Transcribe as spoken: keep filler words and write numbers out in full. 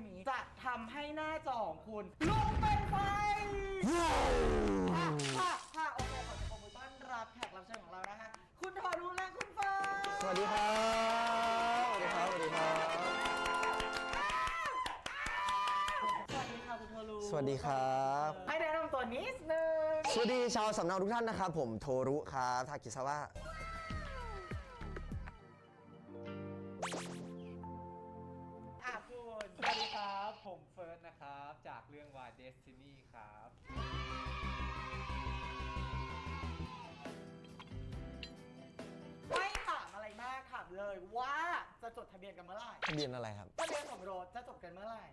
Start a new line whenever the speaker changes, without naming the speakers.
นี้จะทำให้หน้าจอของคุณลุกเป็นไฟค่ะค่ะค่ะโอเคขอจะขอบคุณต้อนรับแขกรับเชิญของเรานะคะคุณทอรุและคุณเฟิร์น
สวัสดีครับสวัสดีครับสวัสดีครับ
สวัสดีค่ะคุณโทรุ
สวัสดีครับ
ให้แนะนำตัวนิดนึง
สวัสดีชาวสำเนาทุกท่านนะครับผมโทรุครับทากิซาวะ
อ่ะคุณ
สวัสดีครับผมเฟิร์สนะครับจากเรื่อง Why Destiny ครับ
ไม่ถามอะไรมากถามเลยว่าจะจดทะเบียนกันเมื่อไหร่
ทะเบียนอะไรครับ
ทะเบียนสมรสจะจดกันเมื่อไหร่